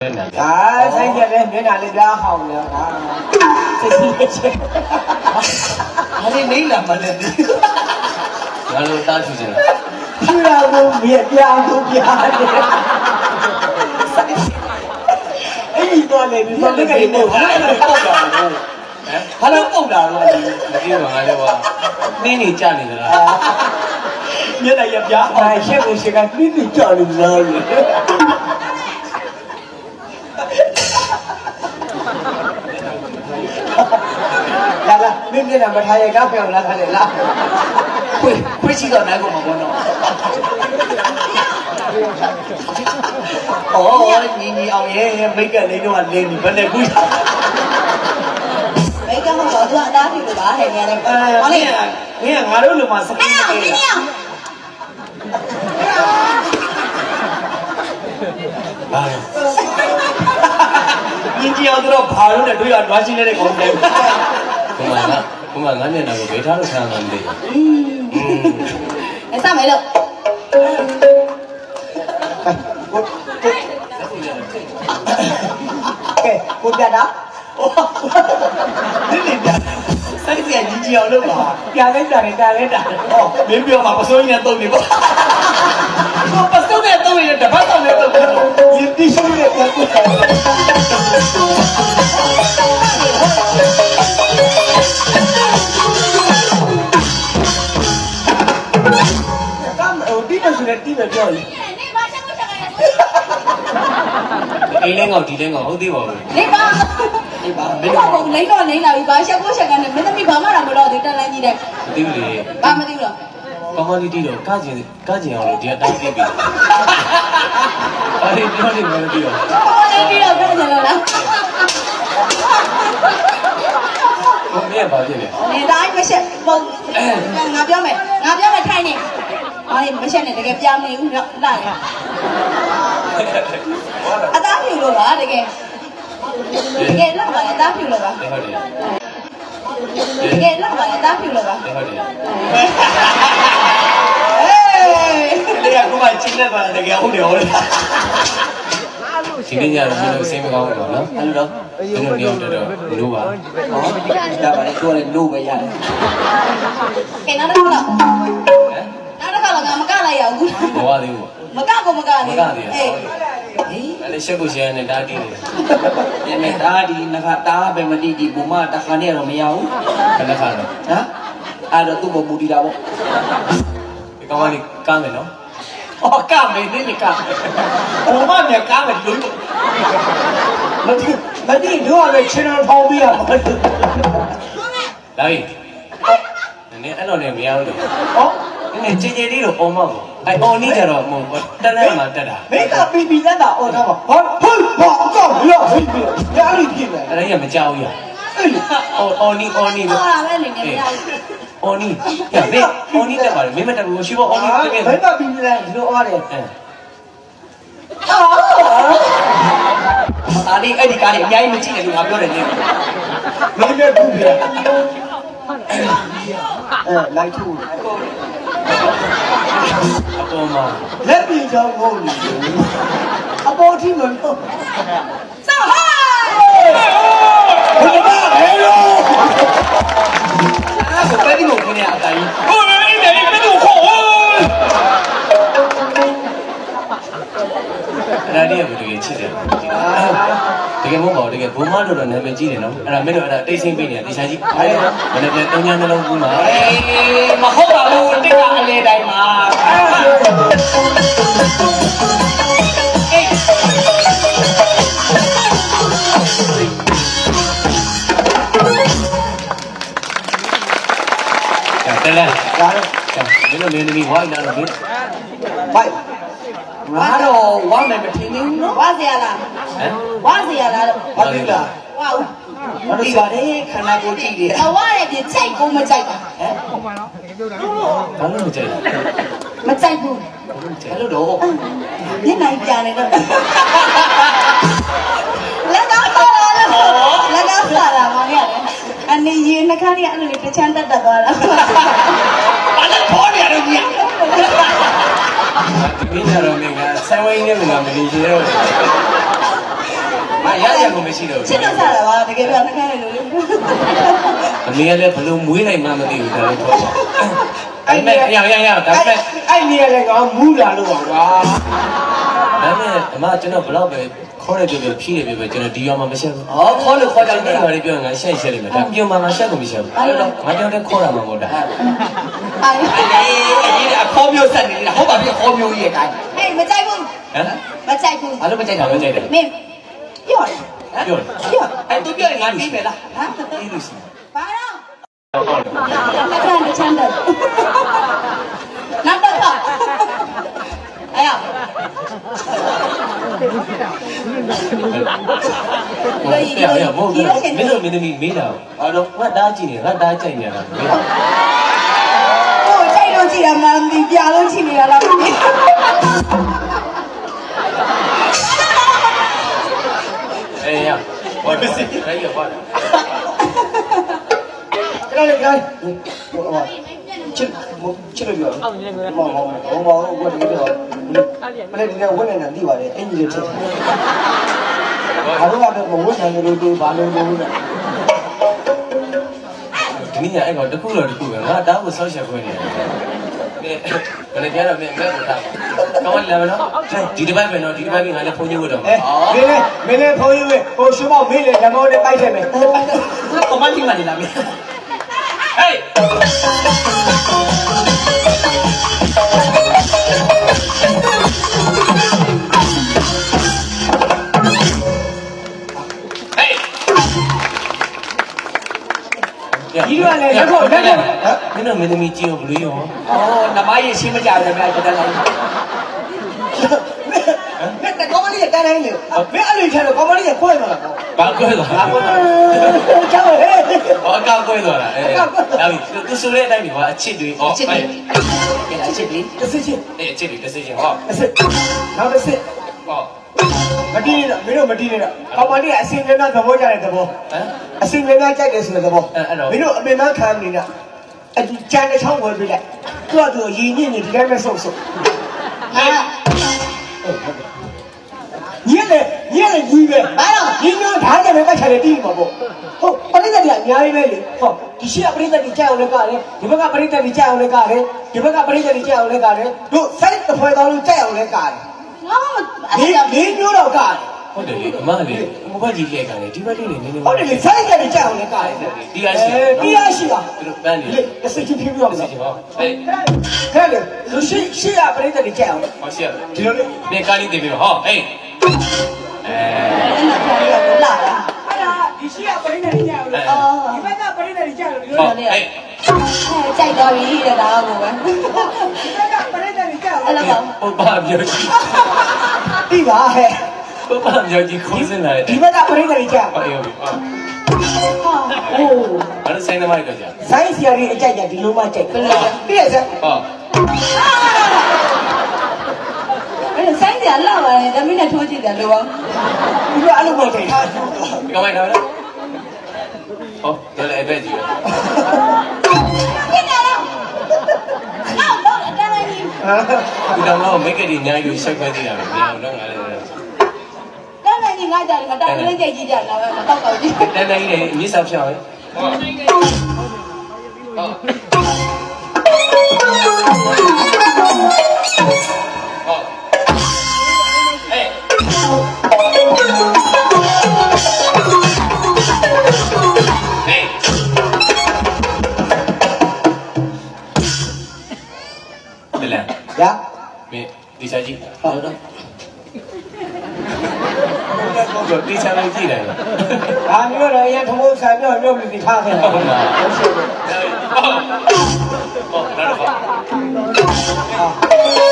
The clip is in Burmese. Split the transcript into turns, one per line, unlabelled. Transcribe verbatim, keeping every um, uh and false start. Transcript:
啊，咱这边别哪里边好了啊，这些钱，
我这没了嘛这，俺都打出去了。
是啊，我别别不别的。哎，你过来，你说那个你我那个够了，哎，他都够了了。
没听懂啊这话，你你家里的啦？
原来也别好，哎，现在是个你你家里了。来了，明天咱们他也搞不了了，他来了。
会会知道哪个嘛？我弄。哦，你你熬夜没跟那种啊，你你本来不想。
没跟我说这打屁股吧，还年的。
呃，你看，你看，俺都他妈是。
哎呀，给你啊！
哎呀。你只要知道爬入的都要抓起来的工资。不嘛那不嘛俺那那个为啥都看俺的？嗯嗯。
哎，上没了。
哎，我我，给我干啥？
你你干，三个眼睛只要了吧？
干来干来干来干。
哦，没必要嘛，不收人家动的不？我不收人家动的，这把动的动的，
你必须得干不干。ဒီလိုပြောရင်
နေပါချက်ကိုချက်ရတယ်
အိမ်လေးငေါ့ဒီလေးငေါ့ဟုတ်သေးပါဘူး
နေပါ
နေပါမ
ဘယ်
င်း
လိုပုံလိမ့်တော့လိမ့်လာပြီဘာချက်ကိုချက်ကနေမင်းသမီးဘာမှတော့မလို့ဒီတက်လန်းကြီးတဲ့
မသိဘူးလေ
ဘာမသိဘူးတော့
ကောင်းကောင်းလေးတီးတော့ကကျင်ကကျင်အောင်လို့ဒီအတိုင်းပြေးပြီအဲ့ဒီပြောနေမှမသိတော့
ဟောနေပြီးတော့ပြောကြလို့လား
ဟိုမင်းကဘာဖြစ်လဲ
နေတိုင်းမချက်ပုံငါပြောမယ်ငါပြောမယ်ထိုင်နေဟာဒီမချက်နဲ့တကယ်ပြောင်းနေဦးတော့လာရအသားဖြူလို့ပါတကယ်တကယ်လောက်ပါအသားဖြူလို့ပါ
ဟုတ်တယ်
တကယ်လောက်ပါအသားဖြူလို့ပါ
ဟုတ်တယ်
အေး
လေကကိုမချင်းနေပါတကယ်ဟုတ်တယ်ဟုတ်တယ်ဒီနေ့ညတော့မင်းတို့စိတ်မကောင်းဘူးပေါ့နော်အဲ့လိုတော့ဒီလိုနေအောင်တော့လို့ပါ
ဟောဒါပါလေကိုယ်လည်းလို့ပဲရတယ်
ကဲနောက်တစ်ခါတော့နောက်တစ်ခါတော့ငါမကလိုက်ရဘူး
မဝသေးဘူး
မကကိုမကသေးဘူးအေး
အဲ့လေရှက်ကိုရှယ်နေတာတီးနေ
ဒီနေ့ဒါဒီနခတားပဲမတိဒီဘူမတခါနဲ့တော့မရဘူး
ခဏခါတော့
ဟမ်အဲ့တော့သူ့ဘမူတီတာပေါ့
ဒီကောင်ကလေကားမယ်နော်
အော်ကမယ်နေနေကဘူမမြကားမယ်လို့မတိမတိတို့ကလည်းချင်းတော်ဖောင်းပြီးရမှာ
လာပြီနည်းအဲ့တော့လည်းမရဘူးတော့
ဟော
နည်းနည်းကြည်ကြည်လေးတော့အော်မှာပေါ့အဲ့အော်နေကြတော့မဟုတ်တက်လက်မှာတက်တာ
မင်းကပီပီလက်တာအော်ထားပါဟောဟုတ်ဘာကောက်ရဟိပြီညာလိပြည့်မယ်
အဲ့ဒါကြီးမကြောက်ဘူးရ
အဲ့လေ
အော်အော်နီအော်နီ
ဟောတာပဲနေနေမရဘူး
အော်နီရမေအော်နီတက်ပါလေမင်းမတက်ဘူးရှိဖို့အော်နီတက်ခဲ့
ဘယ်ကပီပီလက်ဒီလိုအော်တယ်
အဲ
အာ
ဒါလေးအဲ့ဒီကားလေးအများကြီးမကြည့်နဲ့လို့ငါပြောတယ်နေ
မင်းလည်းဘူးပြအဲလိုက်ထူ
အပေါ်မှာ
လက်ပြီးကြောင်းဟုတ်နေအပေါ်ထိမလို့
စောက်ဟို
ဘယ်မှာလဲလို့
အဲ့ဒါပဲဒီကိုခင်းရအတိုင်းဟိုအေးအေးပဲဒီကိုခေါ်အဲ့ဒါလေးကဘယ်လိုချစ်တယ်တကယ်မဟုတ်ပါဘူးတကယ်ဘုံမလို့တော့နာမည်ကြီးတယ်နော်အဲ့ဒါမင်းတို့အဲ့ဒါတိတ်ဆိတ်ပေးနေတာတေချာကြီးဘယ်နဲ့ပြန်တုံးညာနှလုံးကူးမှာအေးမဟုတ်ပါဘူးတိတ်ကအလေတိုင်းမှာတလဲ
ဒါ
မင်းတို့မင်းသမီးဝိုင်းလာတော့ဘယ်
ဘိုက်ငါတော့ဝမ်းမယ်မထင်ဘူးနော်
ဝါစီရလား
ဟမ်
ဝါစီရလား
ဘာလို့လဲ
ဝါဦး
ဘာလို့ပါတယ်ခန္ဓာကိုယ်ကြည့်တယ်
အဝါရဲ့ပြချိတ်ကိုမကြိုက်ပါဟမ်
ဘာလို့မကြိုက်လဲ
မကြိုက်ဘူး
ဘာလို့တော့
ညနိုင်ပြနေတော့လက်ကောက်ပါလားလက်ကောက်ပါလားမောင်ရတယ်အနေရင်နှခမ်းလေးအဲ့လိုလေးတစ်ချမ်းတက်တက်သွားတာ
ဘာလဲခေါ်နေရတယ်ကြီးဒီနေ့တော့မင်းကဆယ်ဝိုင်းနဲ့မလားမနေချင်တော့မရရကိုမရှိတော့
ချစ်လို့စားတာပါတကယ်ပြောနှခမ်းရလို့လေ
အမေကလည်းဘလို့မွေးနိုင်မှမသိဘူးဒါလည်းပေါ့အဲ့မဲ့ရရရဒါပေမဲ့
အဲ့နေရာလည်းငါမူးလာလို့ပါကွာ
ဒါပေမဲ့အမကျွန်တော်ဘလောက်ပဲခေါ်ရပြပြဖြီးရပြပြကျွန်တော်ဒီရောမှမရှက်ဘူး
ဟောခေါ်လို့ခေါ်ကြ
ကျွန်
တယ်
တော်လည်းပြောငါရှက်ရှက်လိမ့်မယ်ဒါပြုံမှငါရှက်ကိုမရှက်ဘူးအဲ့တော့ငါကြောင့်လည်းခေါ်ရမှာမဟုတ်တာ
အား
အေးအေးအခေါ်မျိုးဆက်နေနေတာဟုတ်ပါပြီခေါ်မျိုးကြီးရဲ့တိုင်း
ဟေးမကြိုက်ဘူး
ဟမ်
မကြိုက်ဘူး
ဘာလို့မကြိုက်တာ
ဒါပဲကြိုက်တယ်
မင်းပြောတယ်
ပြောတယ်
ပြော
အဲ့သူပြောရင်ငါပြီးမယ်လား
ဟမ်
အေးလို့ရှိ
ဘာတော့
ဟုတ်
နှခမ်းချမ်းတယ်နောက်တော့အဲ့ရ
တယ်ရရမဟုတ်ဘူးမင်းတို့မင်းသမီးမေးတာအဲ့တော့ငါတားကြည့်နေငါတားကြိုက်နေတာမေးတာ
ဟိုကြိုက်လို့ကြည့်ရမှန်းဒီပြလို့ကြည့်နေတာလားမသိ
အေးရဘာဖြစ်စီအဲ့ရပါ
ကျွန်တော်လည်းကျွန်တော်ဟိုချစ်ချစ်လို့ပြောအောင်မောင်မောင်မောင်မောင်ကိုတကယ်ပြောမလဲဒီကဝင်နေတာသိပါတယ်အင်ကြီးတွေချက်ဘာလို့ကတော့မဝင်နိုင်လို့ဒီဘာလို့လို့လဲ
ဒီနေ့အဲ့ကောင်တခုတော့တခုပဲငါတားကိုဆောက်ချက်ခွင့်နေတယ်ဘယ်နဲ့ပြောတော့မင်းမဲ့ကိုထားကောင်းလာမလားဒီတစ်ပတ်ပဲနော်ဒီတစ်ပတ်ပြီးငါလည်းဖုန်းကြီးဝတ်တော့
အဲမင်းလည်းမင်းလည်းဖုန်းယူဟိုရှုမောက်မင်းလည်းလက်မောင်းနဲ့ပိုက်တယ်မယ်ကွန်မန့်ကြီးမှနေလာမင်း
ဟေး
ဒီလိုလည်းလက်ဖို့လက်ဖို့
မင်းတို့မင်းသမီးကြည့်အောင်ဘလို့ရော
အော်နမကြီးရှင်းမကြတယ်ဗျာကျွန်တော်လည်းမင်းကကောမလီကတန်းတိုင်းလေမင်းအဲ့လိုချင်တော့ကောမလီကကိုယ်မှာလား
ဘာကွဲသွား
အာကိုချောင်းဟဲ့
ဟောအကောက်ကွဲသွားတာအဲဒါပြီသူဆိုတဲ့အတိုင်းဒီကအချစ်တွေဟော
ချစ်
အဲ
တယ်ကဲလားချစ်တယ်
တစ်စစ်ချင်း
အဲအချစ်တွေတစ်စိချင်းဟော
တစ်စစ်နောက်တစ်စစ်
ဟော
မတီးနေတော့မင်းတို့မတီးနေတော့ကောမလီကအစင်ကနာသဘောကြတဲ့သဘော
ဟမ်
အစင်ကနာကြိုက်တယ်ဆိုတဲ့သဘောမင်းတို့အပင်မခံနေတာအတူကြမ်းတဲ့ချောင်းဝင်ပြလိုက်သူ့အတူရည်ညစ်နေဒီတိုင်းပဲဆုပ်ဆုပ်
ဟာ
ညက်လေညက်လေကြီးပဲဘာလို့ဒီမျိုးဓာတ်ကြပဲကတ်ချတယ်တီးမှာပေါ့ဟုတ်ပရိသတ်ကြီးအများကြီးပဲလေဟုတ်ဒီရှိကပရိသတ်ကြီးကြောက်လည်းကလည်းဒီဘက်ကပရိသတ်ကြီးကြောက်လည်းကလည်းဒီဘက်ကပရိသတ်ကြီးကြောက်လည်းကလည်းတို့စိုက်တစ်ဖွဲတော်လို့ကြောက်လည်းကလည်း
ငါမ
ဒီဒီမျိုးတော့ကလည်း
ဟုတ်တယ်လေအမလေးဟိုဘက်ကြီးလက်ကန်လေဒီဘက်လေးနေနေ
ဟုတ်တယ်လေစိုက်ကြတယ်ကြောက်လည်းကလည်း
ဒီအားရှိ
ဒီအားရှိပါ
သူတို့ပန်းနေ
လေတစ်စိတ်ချင်းပြပြအောင်
တစ်စိ
လား
ချင်းဟောဟေး
ခဲလေလူရှိရှိကပရိသတ်ကြီးကြောက်
ဟောရှက်
ဒီလိုလေ
နေကားလေးတင်ပြီးဟောဟေးအဲ
အဲ့ဒါခေါ်ရလို့လာတာ
အဲ့ဒါဒီရှိကပရိသတ်ကြီးကြောက်လို့
အော်
ဒီဘက်ကပရိသတ်ကြီးကြောက်လို့ဒီလို
ဟော
လေ
ဟေး
ကြိုက်သွားပြီတဲ့ဒါကိုပဲ
ဒီဘက်ကပရိသတ်ကြီးကြောက်
အဲ့လိုပါ
ဟိုဘာပြောကြီး
ဒီပါဟဲ့
ဟိုဘာပြောကြီးခိုးစင်လာတယ်
ဒီဘက်ကပရိသတ်ကြီးကြောက်
ဟောရောပြီဟော
ဟာ
အိုး
အဲ့ဒါဆိုင်သမားကြီးတော့ကြာ
ဆိုင်းစီယာရီအကြိုက်ကြဒီလိုမှကြိုက်ဘယ်လိုပြည့်စက်
ဟော
အဲ့ဒါဆိုင်ကြလာပါတယ်တမီးနဲ့ထိုးကြည့်တယ်လို့ပါ
ဒီလိုအဲ့လိုမကြိုက်တာ
ဒီကောင်မိုက်တော့လေဟောတယ်လေအဲ့ပဲကြီးပဲ
ဖြစ်နေတော့အော်တော့အတန်းကြီး
ဒီတော့တော့မိတ်ကလေးညာယူဆက်ခွဲသေးတာပဲမအောင်တော့ငါလည်း
တန်းကြီးငါကြတယ်ငါတာကလေးကြိတ်ကြည့်ကြတာပဲမတော့တော့ကြည့်
တန်းတန်းကြီးလည်းမြေစာဖြောင်းဟဲ့ဟောဟောဟေးဟေးတယ်လေ
ရ
မင်းဒီစားကြည့်ဟုတ်တော့တော့ဒီစားလေးကြည့်တယ်
ဒါမျိုးတော့ရထမိုးဆံပြောမျိုးပြီးထားခဲ့တာ
ဟုတ်လားဟုတ်ဟုတ်ဟုတ်တော့